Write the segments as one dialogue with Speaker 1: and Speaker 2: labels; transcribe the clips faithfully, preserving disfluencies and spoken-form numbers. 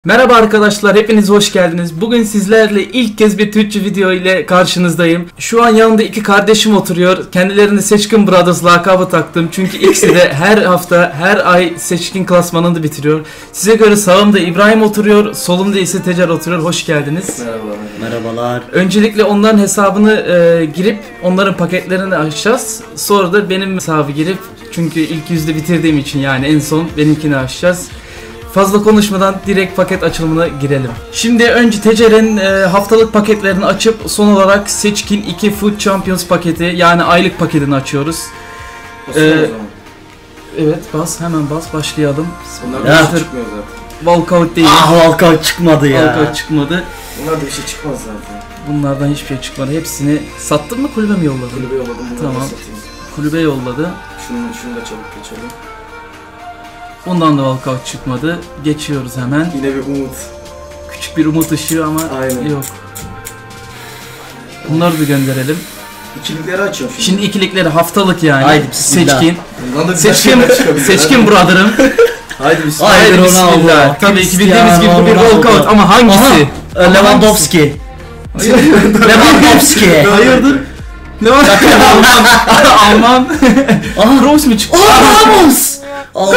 Speaker 1: Merhaba arkadaşlar, hepiniz hoş geldiniz. Bugün sizlerle ilk kez bir Türkçe video ile karşınızdayım. Şu an yanımda iki kardeşim oturuyor. Kendilerini Seçkin Brothers lakabı taktım. Çünkü ikisi de her hafta, her ay Seçkin klasmanını bitiriyor. Size göre sağımda İbrahim oturuyor, solumda ise Tecer oturuyor. Hoş geldiniz.
Speaker 2: Merhaba.
Speaker 3: Merhabalar.
Speaker 1: Öncelikle onların hesabını e, girip onların paketlerini açacağız. Sonra da benim hesabı girip, çünkü ilk yüzde bitirdiğim için yani en son benimkini açacağız. Fazla konuşmadan direkt paket açılımına girelim. Şimdi önce Tecer'in e, haftalık paketlerini açıp son olarak Seçkin iki Food Champions paketi, yani aylık paketini açıyoruz. Ee, evet, bas hemen bas, başlayalım.
Speaker 2: Bunlar da bir şey çıkmıyor zaten.
Speaker 1: Walkout değil.
Speaker 3: Ah, walkout çıkmadı ya.
Speaker 1: Walkout çıkmadı.
Speaker 2: Bunlar da bir şey çıkmaz zaten.
Speaker 1: Bunlardan hiçbir şey çıkmadı. Hepsini sattın mı, kulübe mi yolladın?
Speaker 2: Kulübe yolladım, bunları
Speaker 1: Tamam.
Speaker 2: da satayım.
Speaker 1: Kulübe yolladı.
Speaker 2: Şunu, şunu da çabuk geçelim.
Speaker 1: Ondan da walkout çıkmadı. Geçiyoruz hemen.
Speaker 2: Yine bir umut.
Speaker 1: Küçük bir umut ışığı ama
Speaker 2: Aynen.
Speaker 1: yok. Bunları da gönderelim.
Speaker 2: İkilikleri açıyorum şimdi.
Speaker 1: Şimdi ikilikleri haftalık yani.
Speaker 3: Haydi bismillah.
Speaker 1: Seçkin.
Speaker 2: Bundan da güzel
Speaker 1: Seçkin,
Speaker 2: şeyler çıkabilir.
Speaker 1: seçkin brother'ım.
Speaker 2: Haydi bismillah.
Speaker 1: Haydi
Speaker 3: Haydi
Speaker 1: bismillah.
Speaker 3: Ronaldo,
Speaker 1: Tabii ki
Speaker 3: Cristiano
Speaker 1: bildiğimiz gibi bu bir
Speaker 3: Ronaldo.
Speaker 1: walkout ama hangisi?
Speaker 3: Aha, Lewandowski. Lewandowski.
Speaker 1: Hayırdır? Ne var? Alman. Alman.
Speaker 3: Aha.
Speaker 1: Kroos mu çıktı?
Speaker 3: Oh, Ramos. Allah.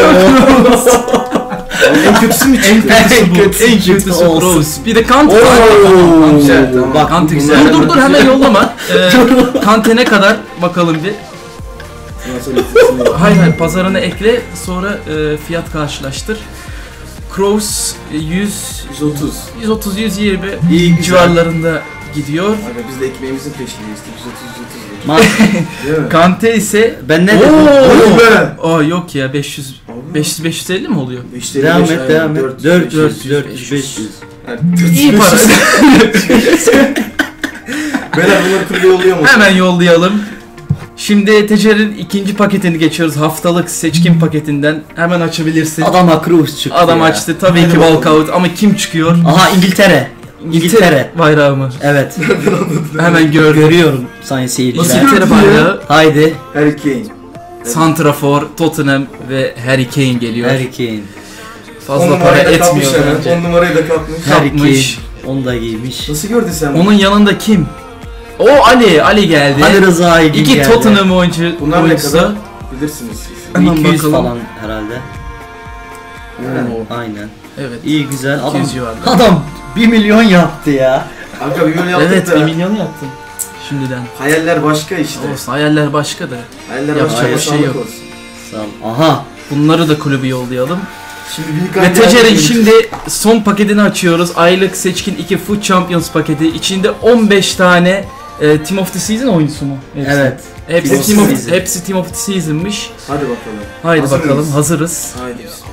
Speaker 2: En kötüsü mü çıktı?
Speaker 1: En kötüsü, en kötüsü
Speaker 3: olsun.
Speaker 1: Kroos. Bir de Kante.
Speaker 3: Oo.
Speaker 2: Güzel, tamam.
Speaker 3: Bak,
Speaker 1: Kante
Speaker 3: bunlar-
Speaker 1: güzel. Dur dur dur, hemen yollama. Ee, Kante ne kadar bakalım bir.
Speaker 2: Ondan sonra ikincisini yap.
Speaker 1: Hayır hayır, pazarına ekle, sonra e, fiyat karşılaştır. Kroos yüz
Speaker 2: yüz otuz.
Speaker 1: yüz otuz yüz yirmi
Speaker 2: İyi, güzel.
Speaker 1: civarlarında gidiyor.
Speaker 2: Aga biz de ekmeğimizin peşindeyiz. yüz otuz yüz otuz.
Speaker 3: Ma-
Speaker 2: Değil mi?
Speaker 1: Kante ise
Speaker 3: ben ne
Speaker 1: Oo!
Speaker 3: dedim?
Speaker 2: Oy be!
Speaker 1: Aa yok ya, beş yüz beş yüz beş yüz elli mi oluyor?
Speaker 2: İşte
Speaker 3: Devam
Speaker 2: beş,
Speaker 3: et,
Speaker 2: aynen.
Speaker 3: devam et.
Speaker 2: dört,
Speaker 3: dört
Speaker 2: beş,
Speaker 3: yüz,
Speaker 1: yüz,
Speaker 3: dört
Speaker 1: beş
Speaker 3: yüz,
Speaker 1: yüz.
Speaker 3: beş yüz.
Speaker 2: yani
Speaker 1: İyi para.
Speaker 2: Beyler bunları kulübe yolluyor mu?
Speaker 1: Hemen yollayalım. Şimdi Tecer'in ikinci paketini geçiyoruz. Haftalık Seçkin paketinden. Hemen açabilirsin.
Speaker 3: Adama Kroos çıktı
Speaker 1: Adam
Speaker 3: ya.
Speaker 1: açtı. Tabii
Speaker 2: Hadi
Speaker 1: ki
Speaker 2: bakalım.
Speaker 1: walkout ama kim çıkıyor?
Speaker 3: Aha, İngiltere. İngiltere.
Speaker 1: bayrağı mı?
Speaker 3: Evet.
Speaker 1: Hemen gördüm.
Speaker 3: Görüyorum sayın seyirciler.
Speaker 1: Nasıl İngiltere bayrağı?
Speaker 3: Haydi.
Speaker 2: Harry Kane.
Speaker 1: Santrafor, Tottenham ve Harry Kane geliyor.
Speaker 3: Harry Kane.
Speaker 1: Fazla
Speaker 2: On
Speaker 1: para
Speaker 2: numarayı da kapmış
Speaker 1: etmiyor
Speaker 2: hemen.
Speaker 1: bence.
Speaker 2: On numarayı da kapmış.
Speaker 3: Harry
Speaker 1: Kapmış.
Speaker 3: Kane. Onu da giymiş.
Speaker 2: Nasıl gördün sen bunu?
Speaker 1: Onun yanında kim? O Ali, Ali geldi.
Speaker 3: Ali Rıza Aygün
Speaker 1: İki
Speaker 3: geldi.
Speaker 1: Tottenham oyuncu,
Speaker 2: Bunlar ne
Speaker 1: oyuncusu.
Speaker 2: kadar? Bilirsiniz siz.
Speaker 1: Hemen
Speaker 3: iki yüz
Speaker 1: bakalım.
Speaker 3: falan herhalde.
Speaker 1: Oo.
Speaker 3: Aynen.
Speaker 1: Evet.
Speaker 3: İyi, güzel.
Speaker 1: iki
Speaker 3: Adam,
Speaker 1: yüz civarında.
Speaker 3: adam bir milyon yaptı ya.
Speaker 2: Kanka bir milyon yaptık
Speaker 1: Evet,
Speaker 2: da.
Speaker 1: bir milyon yaptım. Şimdiden.
Speaker 2: Hayaller başka işte.
Speaker 1: Olsun, hayaller başka da.
Speaker 2: Hayaller
Speaker 1: Yapacak
Speaker 2: başka,
Speaker 1: bir şey
Speaker 2: sağlık
Speaker 1: yok.
Speaker 2: olsun.
Speaker 3: Sağ ol. Aha.
Speaker 1: Bunları da kulübü yollayalım.
Speaker 2: Şimdi büyük
Speaker 1: Ve
Speaker 2: hangi
Speaker 1: Tecer'in
Speaker 2: hangi-
Speaker 1: şimdi son paketini açıyoruz. Aylık Seçkin iki Food Champions paketi. İçinde on beş tane e, Team of the Season oyuncusu mu? Hepsi.
Speaker 3: Evet.
Speaker 1: Hepsi
Speaker 3: Team of
Speaker 1: Team of,
Speaker 3: the Season.
Speaker 1: hepsi Team of the Season'mış.
Speaker 2: Hadi bakalım.
Speaker 1: Haydi
Speaker 2: Hazır
Speaker 1: bakalım,
Speaker 2: mıyız?
Speaker 1: hazırız.
Speaker 2: Haydi biz.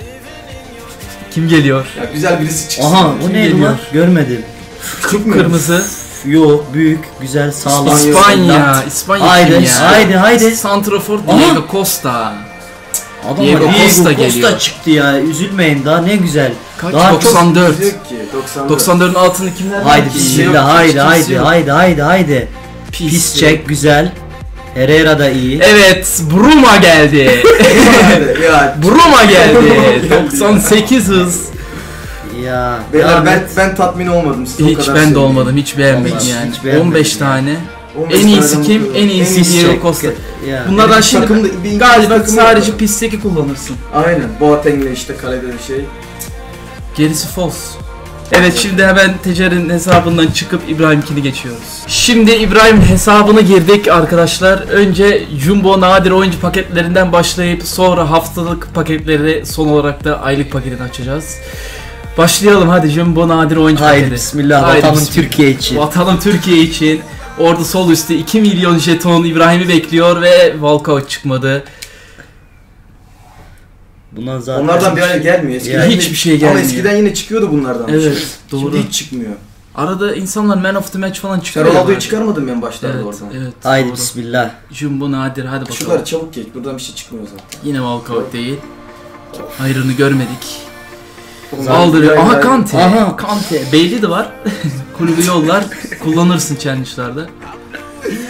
Speaker 1: Kim geliyor?
Speaker 2: Ya güzel birisi çıksın.
Speaker 3: Aha,
Speaker 1: Kim
Speaker 3: o neydi
Speaker 1: geliyor?
Speaker 3: lan? Görmedim.
Speaker 1: Kırmızı.
Speaker 3: Yok, büyük, güzel, sağlam.
Speaker 1: İspanya. İspanya
Speaker 3: Haydi,
Speaker 1: kim ya?
Speaker 3: haydi, haydi.
Speaker 1: Santrafor
Speaker 3: Aha.
Speaker 1: Diego Costa.
Speaker 3: Adam
Speaker 1: Diego
Speaker 3: Diego
Speaker 1: Costa
Speaker 3: Costa,
Speaker 1: geliyor.
Speaker 3: çıktı ya. Üzülmeyin daha, ne güzel.
Speaker 1: Kaç?
Speaker 3: Daha çok-
Speaker 1: doksan dört.
Speaker 2: Yok ki. doksan dört.
Speaker 1: doksan dört'ün altını kimler?
Speaker 3: Haydi
Speaker 1: var ki?
Speaker 2: Kimse yok,
Speaker 3: bismillah, haydi,
Speaker 1: kimse
Speaker 3: haydi,
Speaker 1: yok.
Speaker 3: haydi, haydi, haydi.
Speaker 1: Pis.
Speaker 3: Pis çek, güzel. Herrera da iyi.
Speaker 1: Evet, Bruma geldi.
Speaker 2: Hadi, ya.
Speaker 1: Bruma geldi. doksan sekiz hız.
Speaker 3: Ya.
Speaker 2: Beyler
Speaker 3: devam
Speaker 2: ben,
Speaker 3: et.
Speaker 2: ben tatmin olmadım size o
Speaker 1: Hiç
Speaker 2: kadar
Speaker 1: ben de
Speaker 2: söyleyeyim.
Speaker 1: olmadım, hiç beğenmedim
Speaker 3: Vallahi
Speaker 1: yani.
Speaker 3: hiç beğenmedim
Speaker 1: on beş
Speaker 3: yani.
Speaker 1: tane.
Speaker 2: on beş
Speaker 1: En iyisi
Speaker 2: taneden
Speaker 1: kim?
Speaker 2: bakıyorum.
Speaker 1: En iyisi
Speaker 3: Pis
Speaker 1: Diego
Speaker 3: çek.
Speaker 1: Costa.
Speaker 3: Ya.
Speaker 1: Bunlardan
Speaker 2: Yani
Speaker 1: şimdi
Speaker 2: takımda- bir İngiliz
Speaker 1: galiba
Speaker 2: takımı
Speaker 1: sadece
Speaker 2: yok.
Speaker 1: pisteki kullanırsın.
Speaker 2: Aynen. Boateng'le işte kalede bir şey.
Speaker 1: Gerisi false. Evet, şimdi hemen Tecer'in hesabından çıkıp İbrahim'kini geçiyoruz. Şimdi İbrahim hesabına girdik arkadaşlar. Önce Jumbo nadir oyuncu paketlerinden başlayıp sonra haftalık paketleri, son olarak da aylık paketini açacağız. Başlayalım hadi, Jumbo nadir oyuncu
Speaker 3: Haydi
Speaker 1: paketi.
Speaker 3: bismillah,
Speaker 1: Haydi
Speaker 3: vatanım
Speaker 1: bismillah.
Speaker 3: Türkiye için.
Speaker 1: Vatanım Türkiye için. Orada sol üstte iki milyon jeton İbrahim'i bekliyor ve walkout çıkmadı.
Speaker 3: Bundan zaten
Speaker 2: Onlardan bir ay gelmiyor. Eskiden
Speaker 1: Ya
Speaker 2: yine-
Speaker 1: hiçbir şey gelmiyor.
Speaker 2: Ama eskiden yine çıkıyordu bunlardan. bir
Speaker 1: Evet,
Speaker 2: şey.
Speaker 1: doğru.
Speaker 2: Şimdi hiç çıkmıyor.
Speaker 1: Arada insanlar man of the match falan
Speaker 2: Sen
Speaker 1: çıkıyor. ya
Speaker 2: Ronaldo'yu
Speaker 1: bazen.
Speaker 2: çıkarmadın ben başlarda
Speaker 1: Evet,
Speaker 2: oradan.
Speaker 1: evet.
Speaker 3: Haydi
Speaker 1: doğru.
Speaker 3: bismillah.
Speaker 1: Jumbo nadir, hadi bakalım.
Speaker 2: Şunları çabuk geç. Buradan bir şey çıkmıyor zaten.
Speaker 1: Yine walkout değil. Hayrını görmedik.
Speaker 2: Bunlar
Speaker 1: Aldırıyor.
Speaker 2: bir ay
Speaker 1: Aha
Speaker 2: daha-
Speaker 1: Kante.
Speaker 3: Aha.
Speaker 1: Kante. Bailey de var. Kulübü yollar. Kullanırsın challenge'larda.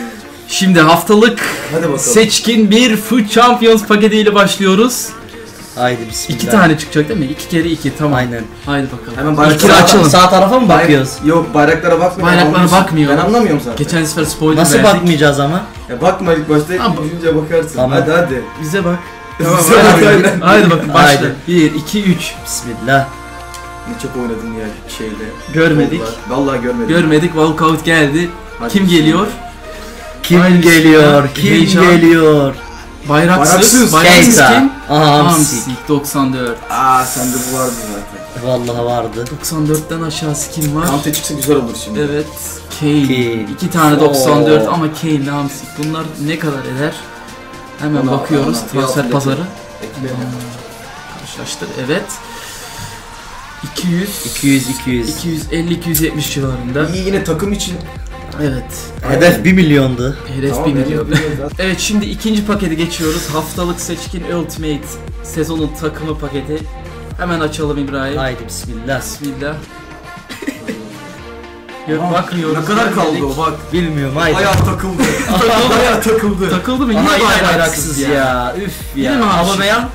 Speaker 1: Şimdi haftalık
Speaker 2: Hadi bakalım.
Speaker 1: Seçkin bir Food Champions paketiyle başlıyoruz.
Speaker 3: Haydi bismillah.
Speaker 1: İki tane çıkacak değil mi? İki kere iki, tamam.
Speaker 3: Aynen.
Speaker 1: Haydi bakalım.
Speaker 2: Hemen
Speaker 1: İlk
Speaker 2: bayrakları
Speaker 1: kere
Speaker 3: Sağ,
Speaker 1: açalım.
Speaker 3: sağ tarafa mı bakıyoruz?
Speaker 2: Yok bayraklara bakmıyorum.
Speaker 1: Bayraklara
Speaker 2: Anlıyorsun.
Speaker 1: bakmıyorum.
Speaker 2: Ben anlamıyorum zaten.
Speaker 1: Geçen sefer spoiler
Speaker 3: Nasıl
Speaker 1: verdik.
Speaker 3: bakmayacağız ama?
Speaker 2: Ya bakma ilk başta,
Speaker 1: Tamam.
Speaker 2: düşünce bakarsın.
Speaker 3: Tamam.
Speaker 2: Hadi hadi.
Speaker 1: Bize bak.
Speaker 2: Tamam,
Speaker 1: Tamam,
Speaker 2: hadi,
Speaker 1: haydi.
Speaker 2: hadi.
Speaker 1: Haydi bakın başla.
Speaker 3: Haydi.
Speaker 1: bir, iki, üç.
Speaker 3: Bismillah.
Speaker 2: Ne çok oynadın ya şeyde.
Speaker 1: Görmedik.
Speaker 2: Vallahi, vallahi görmedik.
Speaker 1: Görmedik, walkout geldi.
Speaker 2: Hadi
Speaker 1: Kim
Speaker 2: bismillah.
Speaker 1: geliyor?
Speaker 3: Kim
Speaker 1: Haydi
Speaker 3: geliyor?
Speaker 1: bismillah.
Speaker 3: Kim
Speaker 1: Heyecan.
Speaker 3: geliyor?
Speaker 1: Bayraksız.
Speaker 2: Bayraksız.
Speaker 1: Bayraksız
Speaker 3: Keita.
Speaker 1: kim?
Speaker 3: Aha Hamsik.
Speaker 1: Hamsik doksan dört.
Speaker 2: Aa sende bu vardı zaten.
Speaker 3: Vallahi vardı.
Speaker 1: doksan dörtten aşağısı kim var?
Speaker 2: Kante çıksa güzel olur şimdi.
Speaker 1: Evet, Kane.
Speaker 3: Kane.
Speaker 1: İki tane doksan dört
Speaker 3: Oo.
Speaker 1: ama Kane ile Hamsik. Bunlar ne kadar eder? Hemen
Speaker 2: Ona-
Speaker 1: bakıyoruz.
Speaker 2: ona-
Speaker 1: Transfer
Speaker 2: fiyatı
Speaker 1: pazarı.
Speaker 2: Ekleyelim.
Speaker 1: Karşılaştır. Evet. iki yüz.
Speaker 3: iki yüz iki yüz.
Speaker 1: iki yüz elli iki yüz yetmiş civarında.
Speaker 2: İyi yine takım için.
Speaker 1: Evet.
Speaker 3: Hedef bir milyondu.
Speaker 1: Hedef
Speaker 2: Tamam,
Speaker 1: bir
Speaker 2: benim
Speaker 1: milyon.
Speaker 2: biliyorum zaten.
Speaker 1: Evet, şimdi ikinci paketi geçiyoruz. Haftalık seçkin Ultimate sezonun takımı paketi. Hemen açalım İbrahim.
Speaker 3: Haydi bismillah.
Speaker 1: Bismillah. Yok,
Speaker 2: Aa,
Speaker 1: bakmıyoruz.
Speaker 2: Ne kadar kaldı
Speaker 1: Görmedik.
Speaker 2: o bak.
Speaker 3: Bilmiyorum haydi.
Speaker 2: Bayağı takıldı. Bayağı takıldı.
Speaker 1: Takıldı mı? Yine
Speaker 3: Aha, yine
Speaker 1: bayraksız,
Speaker 3: bayraksız
Speaker 1: ya.
Speaker 3: ya. Üf
Speaker 1: Yine
Speaker 3: ya.
Speaker 1: mi Hamsik?
Speaker 3: Aubameyang?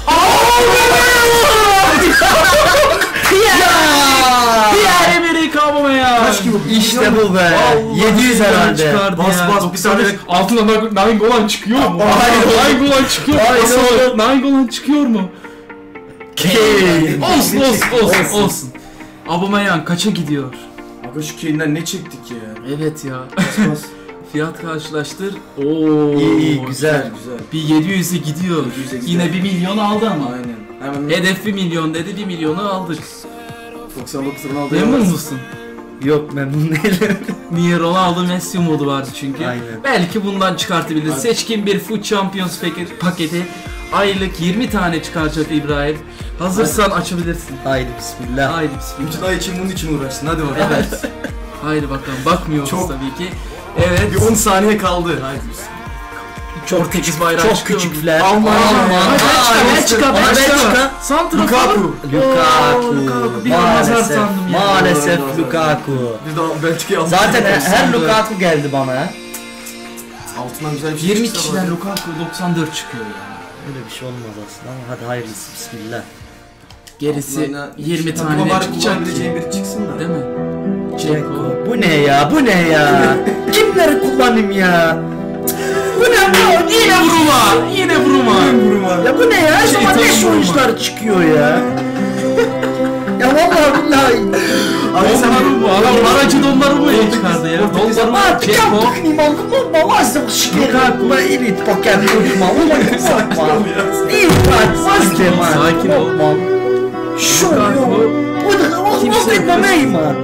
Speaker 1: Pierre-Emerick Aubameyang.
Speaker 2: Kaç gibi?
Speaker 3: İşte bu be.
Speaker 1: Allah,
Speaker 3: yedi yüz herhalde.
Speaker 1: çıkardı
Speaker 2: Bas,
Speaker 1: ya.
Speaker 2: bas, bir
Speaker 1: doksan
Speaker 2: tane-
Speaker 1: beş. Altına Nainggolan çıkıyor mu?
Speaker 2: Hayır.
Speaker 1: Nainggolan çıkıyor mu?
Speaker 3: Hayır,
Speaker 1: Nasıl
Speaker 3: hayır.
Speaker 1: olur? Nainggolan çıkıyor mu?
Speaker 3: Kane.
Speaker 1: Olsun olsun olsun olsun. Aubameyang kaça gidiyor?
Speaker 2: Aga şu Kane'den ne çektik ya.
Speaker 1: Evet ya.
Speaker 2: Bas bas.
Speaker 1: Fiyat karşılaştır. Oo.
Speaker 3: İyi iyi güzel.
Speaker 2: Güzel güzel.
Speaker 1: Bir yedi yüze gidiyor.
Speaker 2: yedi yüze gidiyor.
Speaker 1: Yine bir milyon aldı ama.
Speaker 2: Aynen. Hemen
Speaker 1: Hedef bir milyon dedi, bir milyonu aldık.
Speaker 2: doksan dokuz Ronaldo.
Speaker 1: Memnun musun?
Speaker 3: Yok memnun değilim.
Speaker 1: Niye Ronaldo Messi modu vardı çünkü.
Speaker 3: Aynen.
Speaker 1: Belki bundan çıkartabiliriz.
Speaker 2: Abi.
Speaker 1: Seçkin bir Foot Champions paketi, paketi. Aylık yirmi tane çıkaracak İbrahim. Hazırsan açabilirsin.
Speaker 3: Haydi bismillah.
Speaker 1: Haydi bismillah.
Speaker 2: Bütün ay için bunun için uğraşsın. Hadi bakalım.
Speaker 1: Evet. Haydi bakalım. Bakmıyoruz
Speaker 2: Çok-
Speaker 1: tabii ki. Evet.
Speaker 2: Bir on saniye kaldı. Haydi bismillah.
Speaker 1: Portekiz bayrağı
Speaker 3: Çok
Speaker 1: çıkıyor.
Speaker 3: küçükler.
Speaker 1: Aman
Speaker 3: Aman,
Speaker 1: aman.
Speaker 3: aman.
Speaker 1: Ben çıkar, ben
Speaker 3: Aman,
Speaker 1: çıkar.
Speaker 3: ben çıkar.
Speaker 1: Santrafor.
Speaker 2: Lukaku.
Speaker 3: Lukaku.
Speaker 1: Lukaku. Bir an nazar
Speaker 3: Maalesef.
Speaker 1: sandım ya.
Speaker 3: Maalesef
Speaker 2: Doğru, doğru.
Speaker 3: Lukaku.
Speaker 2: Biz de Belçika'yı aldık.
Speaker 3: Zaten her, her
Speaker 1: doksan dört.
Speaker 3: Lukaku geldi bana ya.
Speaker 2: Altından güzel bir şey
Speaker 1: yirmi
Speaker 2: çıksa
Speaker 1: kişiden
Speaker 2: bari.
Speaker 1: Lukaku doksan dört çıkıyor ya.
Speaker 3: Öyle bir şey olmaz aslında ama hadi hayırlısı bismillah.
Speaker 1: Gerisi
Speaker 2: Altından
Speaker 1: yirmi
Speaker 2: takıma
Speaker 1: tane
Speaker 2: bari
Speaker 1: çıkacak.
Speaker 2: kullanabileceğin biri çıksın da.
Speaker 1: Değil mi?
Speaker 3: Ceko. Bu ne ya? Bu ne ya? Kimleri kullanayım ya? Bu ne bu?
Speaker 1: Yine vurma. Yine vurma.
Speaker 2: Vurma.
Speaker 3: Ya bu ne ya? Her
Speaker 1: Şey,
Speaker 3: zaman
Speaker 1: tabii
Speaker 3: leş
Speaker 1: vurma.
Speaker 3: oyuncular çıkıyor ya. Ya vallahi billahi.
Speaker 2: Abi sen
Speaker 1: Donnarumma. Adam aracı Donnarumma'yı çıkardı ya.
Speaker 2: Portekiz-
Speaker 1: Donnarumma,
Speaker 3: Artık
Speaker 1: Ceko.
Speaker 3: yaptık nimal kullanma. Lazım şikayet. Ma elit paket kullanma. Ulan
Speaker 2: Sakin ol
Speaker 3: kullanma.
Speaker 2: ya.
Speaker 3: İyi bak. Sakin ol.
Speaker 1: Sakin ol.
Speaker 3: Şu
Speaker 1: Lukaku.
Speaker 3: yok. Bu da
Speaker 1: Kimse
Speaker 3: o
Speaker 1: yok.
Speaker 3: etmemeyim at.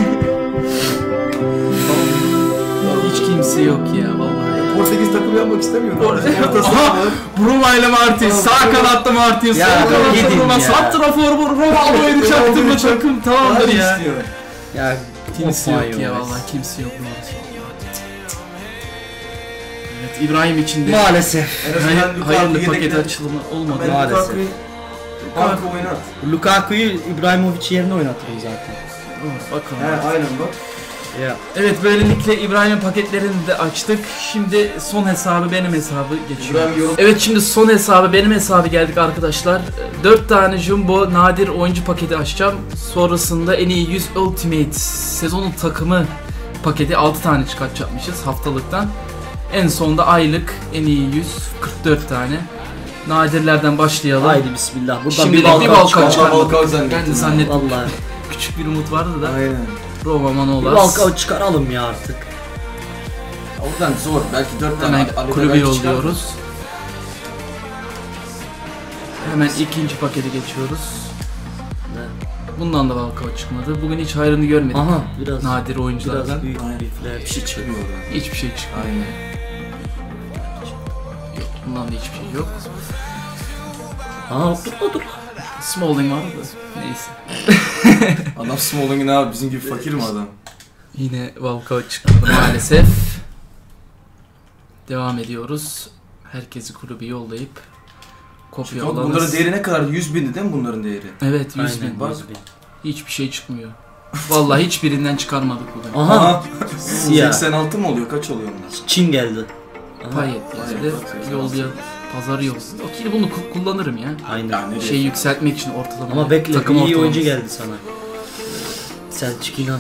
Speaker 1: Hiç kimse yok ya vallahi.
Speaker 2: Portekiz takımı yapmak istemiyorum.
Speaker 1: Por- Aha! Bruma ile Martin, sağ kanatta Martin, sol
Speaker 3: Ya,
Speaker 1: kanatta
Speaker 3: gidin
Speaker 1: Bruma,
Speaker 3: ya.
Speaker 1: santrafor vur, Ronaldo'yu çaktırma takım tamamdır ya.
Speaker 3: Ya
Speaker 1: Kimse
Speaker 3: of
Speaker 1: yok
Speaker 3: my
Speaker 1: ya
Speaker 3: God.
Speaker 1: vallahi kimse yok. Evet, İbrahim için de
Speaker 3: Maalesef.
Speaker 2: En azından
Speaker 1: hayır,
Speaker 2: Lukaku
Speaker 1: hayırlı paket
Speaker 2: yedekler.
Speaker 1: açılımı olmadı.
Speaker 2: Ben
Speaker 3: Maalesef.
Speaker 2: Lukaku'yu Lukaku oynat.
Speaker 3: Lukaku'yu İbrahimovic yerine oynatırım zaten.
Speaker 1: Bakalım.
Speaker 2: He aynen bak.
Speaker 3: Ya.
Speaker 1: Evet, böylelikle İbrahim'in paketlerini de açtık. Şimdi son hesabı benim hesabı geçiyor.
Speaker 2: İbrahim yorum.
Speaker 1: Evet, şimdi son hesabı benim hesabı geldik arkadaşlar. dört tane Jumbo nadir oyuncu paketi açacağım. Sonrasında en iyi yüz Ultimate sezonun takımı paketi altı tane çıkartacakmışız haftalıktan. En sonda aylık en iyi yüz kırk dört tane. Nadirlerden başlayalım.
Speaker 3: Haydi bismillah. Buradan
Speaker 1: Şimdi
Speaker 3: bir
Speaker 1: de bir
Speaker 3: balkan
Speaker 1: balkan
Speaker 3: çıkar.
Speaker 1: çıkar.
Speaker 2: Balkan
Speaker 1: Ben
Speaker 2: zannettim.
Speaker 1: de zannettim.
Speaker 3: Vallahi.
Speaker 1: Küçük bir umut vardı da.
Speaker 2: Aynen.
Speaker 1: Roma
Speaker 3: Bir
Speaker 1: Manolas.
Speaker 3: balkan çıkaralım ya artık.
Speaker 2: Oradan zor. Belki dört tane.
Speaker 1: Hemen
Speaker 2: arada
Speaker 1: kulübe
Speaker 2: belki çıkar.
Speaker 1: yolluyoruz. Hemen ikinci pakete geçiyoruz. Bundan da walkout çıkmadı. Bugün hiç hayrını görmedik.
Speaker 3: Aha biraz.
Speaker 1: Nadir oyunculardan.
Speaker 3: Biraz büyük
Speaker 2: Aynen.
Speaker 3: herifler.
Speaker 2: Bir şey çıkmıyor oradan.
Speaker 1: Hiçbir şey çıkmıyor.
Speaker 2: Aynen.
Speaker 1: Yok, bundan da hiçbir şey yok.
Speaker 3: Aa dur dur.
Speaker 1: Smalling var da neyse.
Speaker 2: Adam Smalling'in abi bizim gibi fakir mi adam?
Speaker 1: Yine walkout çıkmadı maalesef. Devam ediyoruz. Herkesi kulübe yollayıp kopya
Speaker 2: Bak
Speaker 1: alanız.
Speaker 2: bunların değeri ne kadar? yüz bindi değil mi bunların değeri?
Speaker 1: Evet, yüz
Speaker 3: Aynen
Speaker 1: bin.
Speaker 2: bak.
Speaker 3: yüz bin.
Speaker 1: Hiçbir şey çıkmıyor. Vallahi hiçbirinden çıkarmadık bugün.
Speaker 3: Aha. Siyah.
Speaker 2: seksen altı mı oluyor? Kaç oluyor onlar?
Speaker 3: Çin geldi. Aha.
Speaker 1: Payet
Speaker 2: Payet,
Speaker 1: geldi.
Speaker 2: bak,
Speaker 1: Yolluya Pazarı yok. Okey bunu ku- kullanırım ya.
Speaker 3: Aynen.
Speaker 2: Yani
Speaker 1: Şey yükseltmek için ortalama.
Speaker 3: Ama bekle,
Speaker 1: takım
Speaker 3: bir iyi
Speaker 1: ortalaması.
Speaker 3: oyuncu geldi sana. Selçuk İnan.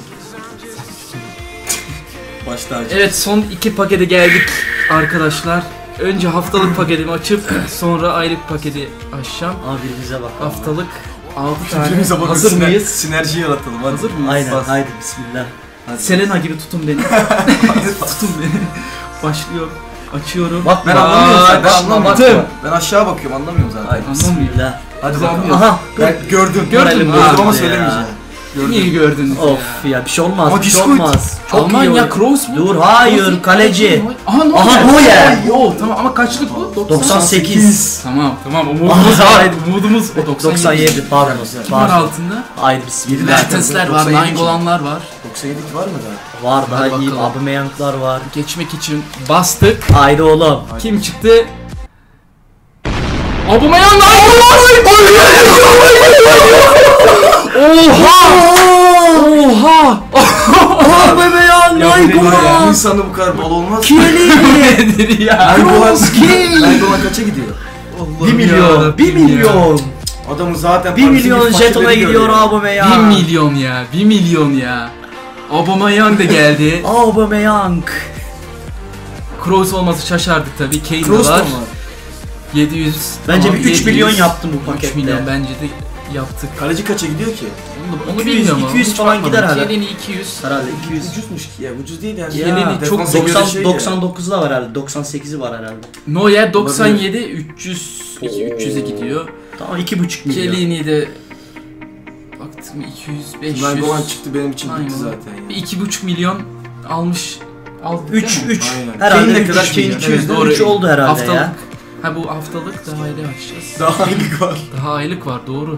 Speaker 2: Başta acı.
Speaker 1: Evet, son iki pakete geldik arkadaşlar. Önce haftalık paketimi açıp sonra aylık paketi açacağım.
Speaker 3: Ama birbirimize bak.
Speaker 1: Haftalık altı tane.
Speaker 2: Birbirimize bakın,
Speaker 1: Hazır
Speaker 2: siner-
Speaker 1: mıyız?
Speaker 2: Sinerji yaratalım hadi.
Speaker 1: Hazır mıyız?
Speaker 3: Aynen,
Speaker 2: Bas.
Speaker 3: haydi bismillah.
Speaker 2: Hadi.
Speaker 1: Selena gibi tutun beni. Tutun beni. Başlıyor. Açıyorum.
Speaker 3: Bak
Speaker 2: Ben
Speaker 3: Aa,
Speaker 2: anlamıyorum zaten. Ben
Speaker 1: başla,
Speaker 2: anlamıyorum.
Speaker 1: baktım.
Speaker 2: Ben aşağı bakıyorum, anlamıyorum zaten.
Speaker 3: Haydi
Speaker 1: Anlamıyorum.
Speaker 3: bismillah.
Speaker 2: Hadi
Speaker 1: Biz
Speaker 2: bakalım.
Speaker 1: anlıyoruz.
Speaker 3: Aha.
Speaker 2: Ben gördüm.
Speaker 1: Gördün mü?
Speaker 2: Gördüm ama
Speaker 3: Ya.
Speaker 2: söylemeyeceğim. Gördüm.
Speaker 1: İyi gördünüz
Speaker 3: Of
Speaker 1: ya.
Speaker 3: ya bir şey olmaz,
Speaker 2: Ama
Speaker 3: bir şey
Speaker 2: Discord.
Speaker 3: olmaz. Çok iyi
Speaker 1: Almanya
Speaker 3: oyun.
Speaker 1: Kroos mu?
Speaker 3: Dur, hayır,
Speaker 1: Kroos değil,
Speaker 3: kaleci.
Speaker 1: Aha Neuer.
Speaker 3: Aha, Neuer.
Speaker 1: Yo tamam ama kaçlık bu?
Speaker 3: doksan sekiz.
Speaker 1: Tamam tamam umudumuz
Speaker 3: Aha.
Speaker 1: var. Umudumuz o doksan
Speaker 3: doksan yedi pardon.
Speaker 2: Güzel.
Speaker 1: Kim var
Speaker 3: Pardon.
Speaker 1: altında?
Speaker 3: Haydi bismillah.
Speaker 1: Mertensler var,
Speaker 2: doksan yedi
Speaker 1: Nainggolanlar var.
Speaker 2: doksan yedi var mı daha?
Speaker 3: Var daha
Speaker 1: Hadi
Speaker 3: iyi
Speaker 1: bakalım.
Speaker 3: Aubameyang'lar var.
Speaker 1: Geçmek için bastık.
Speaker 3: Haydi oğlum.
Speaker 1: Kim çıktı? Aubameyang Nainggolan! Oha! Oha!
Speaker 3: Aubameyang,
Speaker 2: Ya
Speaker 3: Nainggolan.
Speaker 2: insanda bu kadar bol olmaz.
Speaker 3: Kieli.
Speaker 1: Nedir ya?
Speaker 2: Nainggolan
Speaker 3: Kroos.
Speaker 2: Nainggolan kaça gidiyor?
Speaker 3: bir milyon. bir milyon.
Speaker 2: Adamı zaten
Speaker 3: bir
Speaker 2: Paris'in
Speaker 3: milyon
Speaker 2: fakirleri
Speaker 3: jetona gidiyor
Speaker 2: görüyor.
Speaker 3: Aubameyang.
Speaker 1: bir milyon ya, bir milyon ya. Aubameyang da geldi.
Speaker 3: Aubameyang.
Speaker 1: Kroos olması şaşardık tabii. Kane de
Speaker 2: Kroos da
Speaker 1: var.
Speaker 2: mı?
Speaker 1: yedi yüz.
Speaker 3: Bence
Speaker 1: tamam,
Speaker 3: bir üç milyon
Speaker 1: yedi yüz.
Speaker 3: yaptım bu
Speaker 1: üç
Speaker 3: pakette.
Speaker 1: milyon bence de yaptık.
Speaker 2: Kaleci kaça gidiyor ki?
Speaker 1: Onu, onu
Speaker 3: iki yüz,
Speaker 1: bilmiyorum ama.
Speaker 3: iki yüz
Speaker 1: Hiç
Speaker 3: falan
Speaker 1: bakmadım.
Speaker 3: gider herhalde.
Speaker 1: Chiellini iki yüz.
Speaker 3: Herhalde iki yüz.
Speaker 2: Ucuzmuş ki ya, ucuz değil yani.
Speaker 3: Ya,
Speaker 1: Chiellini çok
Speaker 2: defansa göre
Speaker 3: doksan,
Speaker 2: şey ya.
Speaker 3: doksan dokuzu da var herhalde. doksan sekizi var herhalde.
Speaker 1: Neuer doksan yedi, üç yüz, üç yüze gidiyor.
Speaker 3: Tamam iki buçuk milyon.
Speaker 1: Chiellini de baktım iki yüz, beş yüz.
Speaker 2: Nainggolan çıktı benim için bitti
Speaker 1: Nainggolan.
Speaker 2: zaten
Speaker 1: Bir
Speaker 2: ya.
Speaker 1: iki buçuk milyon almış. Aldı
Speaker 3: üç
Speaker 1: değil mi?
Speaker 3: üç.
Speaker 2: Aynen.
Speaker 3: Herhalde
Speaker 2: Kane ne
Speaker 3: üç,
Speaker 2: kadar
Speaker 3: Kane
Speaker 2: milyon?
Speaker 3: iki yüz
Speaker 1: Evet,
Speaker 3: de
Speaker 1: doğru.
Speaker 3: üç oldu herhalde
Speaker 1: Haftalık.
Speaker 3: ya.
Speaker 1: Ha bu haftalık daha aylık açacağız.
Speaker 2: Daha aylık var.
Speaker 1: Daha aylık var doğru.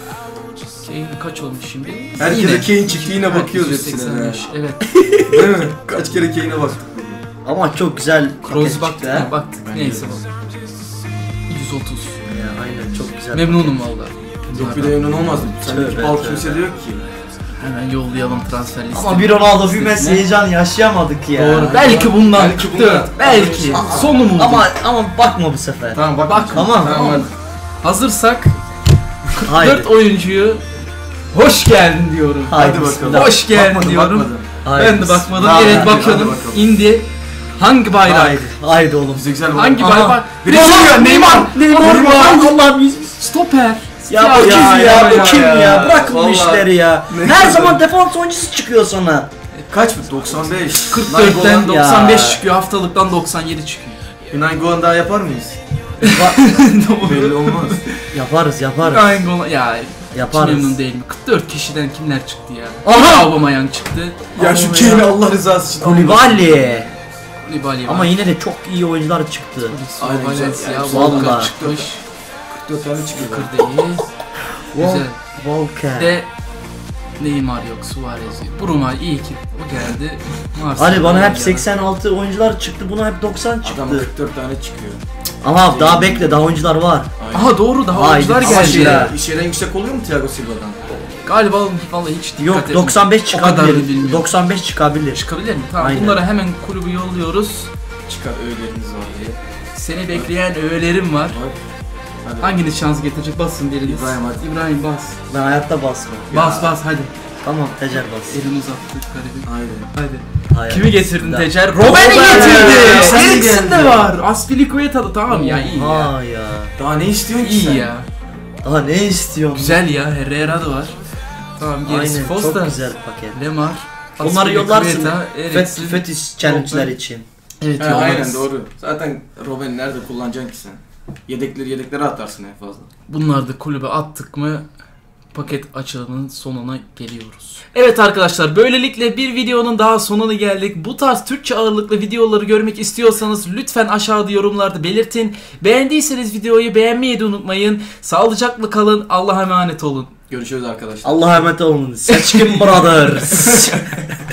Speaker 1: Kane kaç olmuş şimdi?
Speaker 2: Herkese
Speaker 1: Yine.
Speaker 2: Kane çıktı, yine
Speaker 1: Herkes
Speaker 2: bakıyoruz
Speaker 1: yüz
Speaker 2: hepsine
Speaker 1: seksen
Speaker 2: de.
Speaker 1: beş, evet.
Speaker 2: Değil mi? Kaç kere Kane'e baktık.
Speaker 3: Ama çok güzel
Speaker 1: Kroos
Speaker 3: paket
Speaker 1: baktık
Speaker 3: çıktı ha.
Speaker 1: mı? Baktık.
Speaker 2: Ben
Speaker 1: Neyse
Speaker 2: de.
Speaker 1: bak. yüz otuz.
Speaker 3: Ya, aynen çok güzel.
Speaker 1: Memnunum valla.
Speaker 2: Yok bir de memnun olmazdı. Sendeki
Speaker 3: Tövbe,
Speaker 2: bal
Speaker 3: tövbe.
Speaker 2: kimse de yok ki.
Speaker 1: Hemen yollayalım transfer listesine.
Speaker 3: Ama bir Ronaldo bir Messi heyecan yaşayamadık ya.
Speaker 1: Doğru. Belki bundan
Speaker 2: Belki
Speaker 1: çıktı.
Speaker 2: bundan.
Speaker 1: Belki.
Speaker 2: Aa,
Speaker 1: Sonu mu?
Speaker 3: Ama ama bakma bu sefer.
Speaker 2: Tamam bak.
Speaker 1: Bak,
Speaker 3: tamam,
Speaker 2: tamam. hadi.
Speaker 1: Hazırsak
Speaker 3: Haydi.
Speaker 1: dört oyuncuyu hoş geldin diyorum.
Speaker 3: Haydi
Speaker 2: Hadi
Speaker 3: bismillah.
Speaker 2: bakalım.
Speaker 1: Hoş geldin
Speaker 2: Bakmadım,
Speaker 1: diyorum.
Speaker 2: bakmadım.
Speaker 3: Haydi.
Speaker 1: Ben de bakmadım.
Speaker 2: Hadi,
Speaker 1: Evet
Speaker 2: hadi,
Speaker 1: bakıyorum.
Speaker 2: hadi bakalım.
Speaker 1: İndi. Hangi bayrak?
Speaker 3: Haydi. Haydi oğlum.
Speaker 2: Bize güzel bir
Speaker 1: Hangi
Speaker 2: Aha,
Speaker 1: bayrak?
Speaker 2: Brezilya, Neymar.
Speaker 3: Neymar.
Speaker 2: Neymar.
Speaker 3: Allah'ım yüz.
Speaker 1: Stoper.
Speaker 3: Ya bu kim ya,
Speaker 2: ya,
Speaker 3: bu
Speaker 2: ya,
Speaker 3: kim ya?
Speaker 2: ya.
Speaker 3: Bırakın bu
Speaker 2: Vallahi.
Speaker 3: işleri ya.
Speaker 2: Ne
Speaker 3: Her
Speaker 2: güzel.
Speaker 3: zaman defans oyuncusu çıkıyor sana.
Speaker 2: Kaç mı? doksan beş.
Speaker 1: kırk dörtten
Speaker 2: Nainggolan-
Speaker 1: doksan beş
Speaker 3: Ya.
Speaker 1: çıkıyor. Haftalıktan doksan yedi çıkıyor.
Speaker 2: Bir Nainggolan daha yapar mıyız?
Speaker 1: Doğru.
Speaker 2: Belli olmaz.
Speaker 3: Yaparız yaparız.
Speaker 1: Nainggolan ya hiç
Speaker 3: Yaparız.
Speaker 1: memnun değilim. kırk dört kişiden kimler çıktı ya?
Speaker 3: Aha!
Speaker 1: Aubameyang çıktı.
Speaker 2: Ya şu
Speaker 3: Aubameyang.
Speaker 2: Kane'i Allah rızası için
Speaker 3: Koulibaly.
Speaker 1: Koulibaly var.
Speaker 3: Ama yine de çok iyi oyuncular çıktı.
Speaker 2: Aynen,
Speaker 1: Valencia,
Speaker 2: güzel. Yani
Speaker 1: Walker
Speaker 3: vallahi.
Speaker 1: çıkmış.
Speaker 2: kırk dört tane çıkıyor.
Speaker 1: Walker değil. Güzel.
Speaker 3: Walker.
Speaker 1: De Neymar yok, Suarez yok. Bruma iyi ki o geldi. Marcelo
Speaker 3: Ali bana hep
Speaker 1: geldi.
Speaker 3: seksen altı oyuncular çıktı, buna hep doksan çıktı.
Speaker 2: Adam kırk dört tane çıkıyor.
Speaker 3: Ama daha bekle, daha oyuncular var.
Speaker 2: Aynen.
Speaker 1: Aha doğru daha
Speaker 3: Haydi.
Speaker 1: oyuncular
Speaker 3: Ama
Speaker 1: geldi.
Speaker 3: şey-
Speaker 1: ya.
Speaker 2: Şeyden, şeyden yüksek oluyor mu Thiago Silva'dan?
Speaker 1: Galiba vallahi hiç dikkat
Speaker 3: Yok,
Speaker 1: etmedim.
Speaker 3: doksan beş
Speaker 1: O kadar da
Speaker 3: çıkabilir.
Speaker 1: bilmiyorum.
Speaker 3: doksan beş çıkabilir.
Speaker 1: Çıkabilir mi? Tamam
Speaker 3: Aynen.
Speaker 1: bunlara hemen kulübü yolluyoruz.
Speaker 2: Çıkar öğeleriniz var diye.
Speaker 1: Seni bekleyen öğelerim var.
Speaker 2: Bak. Hadi.
Speaker 1: Hanginiz şans getirecek? Basın biriniz.
Speaker 2: İbrahim hadi.
Speaker 1: İbrahim bas.
Speaker 3: Ben hayatta basmam.
Speaker 1: Bas bas hadi.
Speaker 3: Tamam, Tecer bas.
Speaker 1: Elini uzattık garibim.
Speaker 2: Aynen.
Speaker 1: Hadi.
Speaker 3: Hayır.
Speaker 1: Kimi getirdin
Speaker 3: Bismillah.
Speaker 1: Tecer?
Speaker 3: Robben'i
Speaker 1: Robben'i
Speaker 3: getirdi.
Speaker 1: getirdi.
Speaker 2: Sen
Speaker 1: Eriksen de
Speaker 2: geldi.
Speaker 1: var. Aspilicueta'da tamam ya iyi ya.
Speaker 3: Ha ya.
Speaker 2: Daha ne istiyorsun ki
Speaker 1: İyi
Speaker 2: sen?
Speaker 1: ya.
Speaker 3: Daha ne istiyorsun?
Speaker 1: Güzel ya. Herrera da var. Tamam gerisi
Speaker 3: Aynen,
Speaker 1: Foster.
Speaker 3: çok güzel paket.
Speaker 1: Lemar.
Speaker 3: Onları yollarsın.
Speaker 1: Eriksen.
Speaker 3: Fet, fetiş challenge'lar için.
Speaker 1: Evet
Speaker 2: Ha,
Speaker 1: yollarız.
Speaker 2: aynen doğru. Zaten Robben'i nerede kullanacaksın ki sen? Yedekleri yedeklere atarsın en fazla.
Speaker 1: Bunları da kulübe attık mı paket açılımının sonuna geliyoruz. Evet arkadaşlar böylelikle bir videonun daha sonuna geldik. Bu tarz Türkçe ağırlıklı videoları görmek istiyorsanız lütfen aşağıda yorumlarda belirtin. Beğendiyseniz videoyu beğenmeyi de unutmayın. Sağlıcakla kalın. Allah'a emanet olun.
Speaker 2: Görüşürüz arkadaşlar.
Speaker 3: Allah'a emanet olun. Seçkin Brothers.